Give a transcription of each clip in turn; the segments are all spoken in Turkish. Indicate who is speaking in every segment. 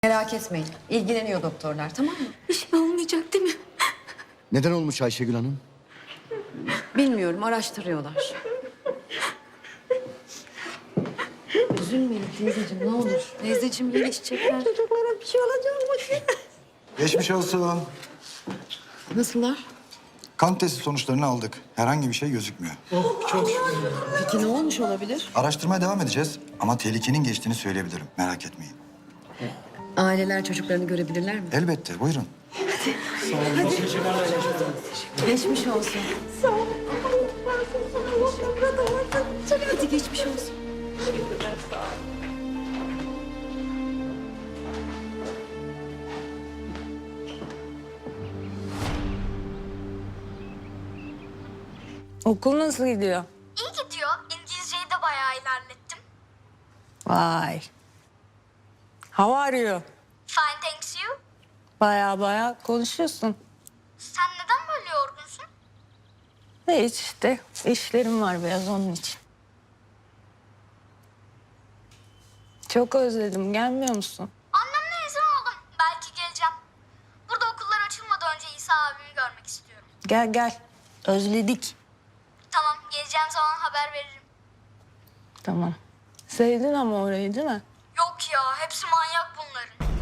Speaker 1: Merak etmeyin. İlgileniyor doktorlar, tamam mı?
Speaker 2: Bir şey olmayacak değil mi?
Speaker 3: Neden olmuş Ayşegül Hanım?
Speaker 1: Bilmiyorum, araştırıyorlar. Üzülmeyin teyzeciğim, ne olur. Teyzeciğim iyileşecekler.
Speaker 2: Çocuklara bir şey olacak mı?
Speaker 4: Geçmiş olsun.
Speaker 1: Nasıllar?
Speaker 4: Kan testi sonuçlarını aldık. Herhangi bir şey gözükmüyor.
Speaker 1: Peki ne olmuş olabilir?
Speaker 4: Araştırmaya devam edeceğiz ama tehlikenin geçtiğini söyleyebilirim. Merak etmeyin.
Speaker 1: Aileler çocuklarını görebilirler mi?
Speaker 4: Elbette, buyurun.
Speaker 1: Geçmiş olsun.
Speaker 2: Sağ ol.
Speaker 1: Hadi geçmiş olsun.
Speaker 5: Okul nasıl gidiyor?
Speaker 6: İyi gidiyor. İngilizceyi de bayağı ilerlettim.
Speaker 5: Vay. How are you?
Speaker 6: Fine, thanks you.
Speaker 5: Baya konuşuyorsun.
Speaker 6: Sen neden böyle yorgunsun?
Speaker 5: Hiç işte işlerim var biraz onun için. Çok özledim. Gelmiyor musun?
Speaker 6: Annemle izin aldım. Belki geleceğim. Burada okullar açılmadan önce İsa abimi görmek istiyorum.
Speaker 5: Gel. Özledik.
Speaker 6: Tamam, geleceğim zaman haber veririm.
Speaker 5: Tamam. Sevdin ama orayı değil mi?
Speaker 6: Yok ya, hepsi manyak bunların.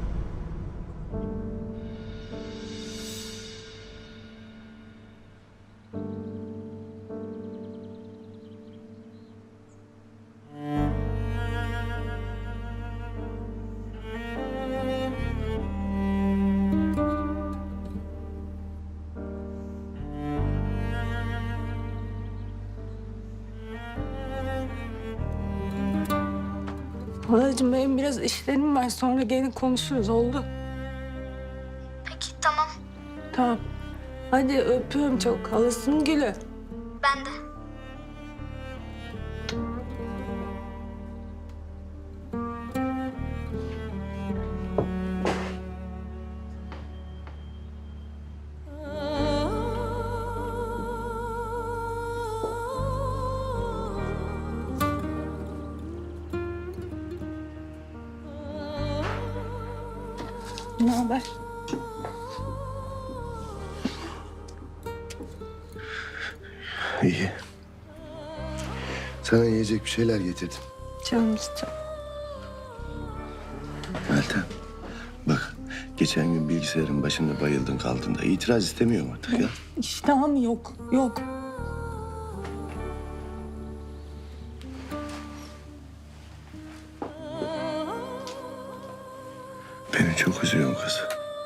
Speaker 5: Halacığım benim biraz işlerim var. Sonra gelin konuşuruz. Oldu.
Speaker 6: Peki, tamam.
Speaker 5: Tamam. Hadi öpüyorum çok. Halasının gülü.
Speaker 6: Ben de.
Speaker 5: Ne haber?
Speaker 3: İyi. Sana yiyecek bir şeyler getirdim.
Speaker 5: Canım istiyorum.
Speaker 3: Meltem, bak geçen gün bilgisayarın başında bayıldın kaldın da itiraz istemiyorum artık ya.
Speaker 5: İştahım yok. Yok.
Speaker 3: Beni çok üzüyorsun kız.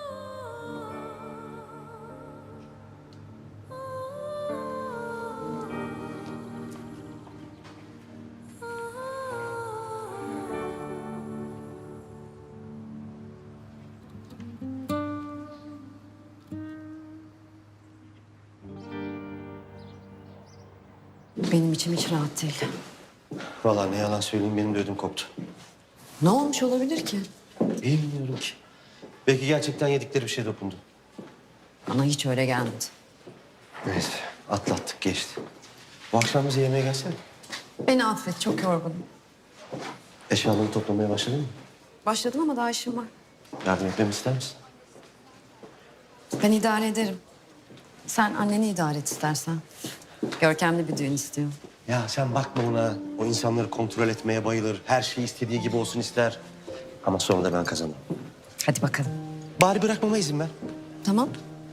Speaker 1: Benim içim hiç rahat değil.
Speaker 7: Vallahi ne yalan söyleyeyim benim de ödüm koptu.
Speaker 1: Ne olmuş olabilir ki?
Speaker 7: Bilmiyorum ki. Belki gerçekten yedikleri bir şey dokundu.
Speaker 1: Bana hiç öyle gelmedi.
Speaker 7: Neyse atlattık geçti. Bu akşam bize yemeğe gelsene.
Speaker 1: Beni affet, çok yorgunum.
Speaker 7: Eşyalarını toplamaya başladın mı?
Speaker 1: Başladım ama daha işim var.
Speaker 7: Yardım etmemi ister misin?
Speaker 1: Ben idare ederim. Sen anneni idare et istersen. Görkemli bir düğün istiyor.
Speaker 7: Ya sen bakma ona. O insanları kontrol etmeye bayılır. Her şey istediği gibi olsun ister. Ama sonra da ben kazanırım.
Speaker 1: Hadi bakalım.
Speaker 7: Bari bırakmama izin ver.
Speaker 1: Tamam.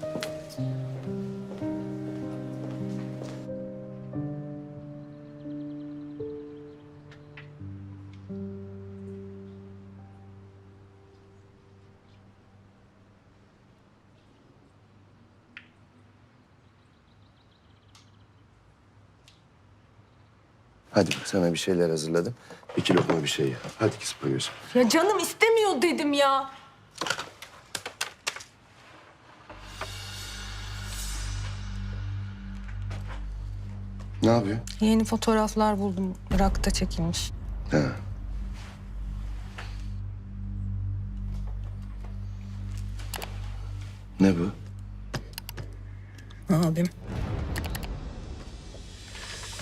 Speaker 3: Hadi sana bir şeyler hazırladım. 2 lokma bir şey ye. Hadi kız buyursun.
Speaker 5: Ya canım istemiyor dedim ya.
Speaker 3: Ne yapıyor?
Speaker 5: Yeni fotoğraflar buldum. Irak'ta çekilmiş.
Speaker 3: Ha. Ne bu?
Speaker 5: Abim.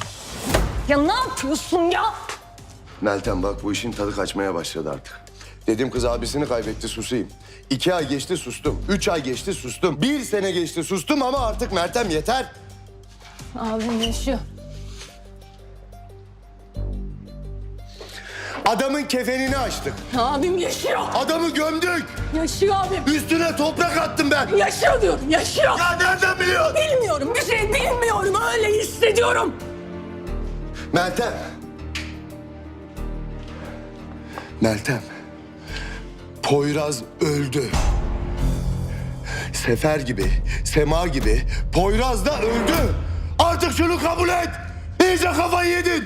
Speaker 5: Ya ne yapıyorsun ya?
Speaker 3: Meltem bak bu işin tadı kaçmaya başladı artık. Dedim kız abisini kaybetti, susayım. 2 ay geçti, sustum. 3 ay geçti, sustum. 1 sene geçti, sustum ama artık Meltem yeter.
Speaker 5: Abim yaşıyor.
Speaker 3: Adamın kefenini açtık.
Speaker 5: Abim yaşıyor.
Speaker 3: Adamı gömdük.
Speaker 5: Yaşıyor abim.
Speaker 3: Üstüne toprak attım ben.
Speaker 5: Yaşıyor diyorum, yaşıyor.
Speaker 3: Ya nereden biliyorsun?
Speaker 5: Bilmiyorum, bir şey bilmiyorum. Öyle hissediyorum.
Speaker 3: Meltem. Meltem. Poyraz öldü. Sefer gibi, Sema gibi Poyraz da öldü. Artık şunu kabul et. İyice kafayı yedin.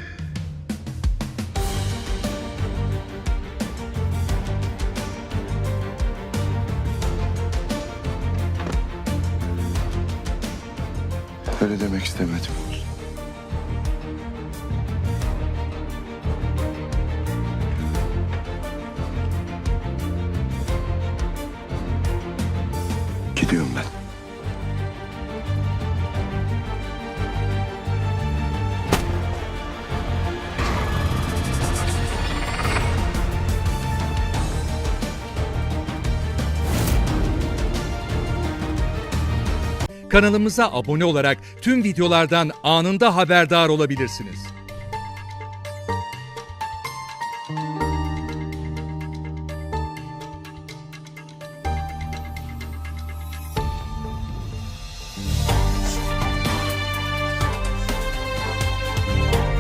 Speaker 3: Öyle demek istemedim. Gidiyorum ben.
Speaker 8: Kanalımıza abone olarak tüm videolardan anında haberdar olabilirsiniz.